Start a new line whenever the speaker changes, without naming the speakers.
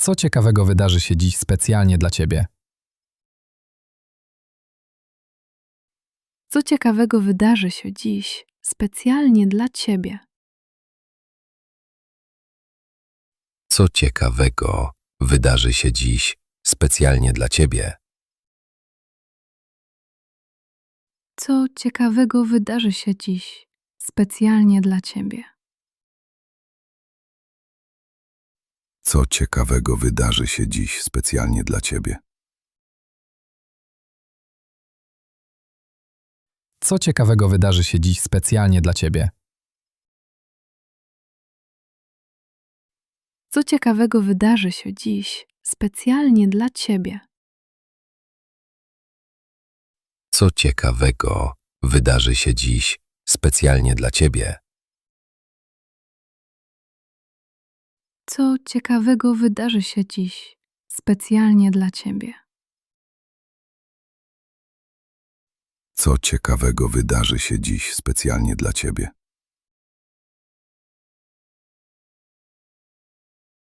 Co ciekawego wydarzy się dziś specjalnie dla Ciebie?
Co ciekawego wydarzy się dziś specjalnie dla Ciebie?
Co ciekawego wydarzy się dziś specjalnie dla Ciebie?
Co ciekawego wydarzy się dziś specjalnie dla Ciebie?
Co ciekawego wydarzy się dziś specjalnie dla Ciebie?
Co ciekawego wydarzy się dziś specjalnie dla Ciebie?
Co ciekawego wydarzy się dziś specjalnie dla Ciebie?
Co ciekawego wydarzy się dziś specjalnie dla Ciebie?
Co ciekawego wydarzy się dziś specjalnie dla Ciebie?
Co ciekawego wydarzy się dziś specjalnie dla Ciebie?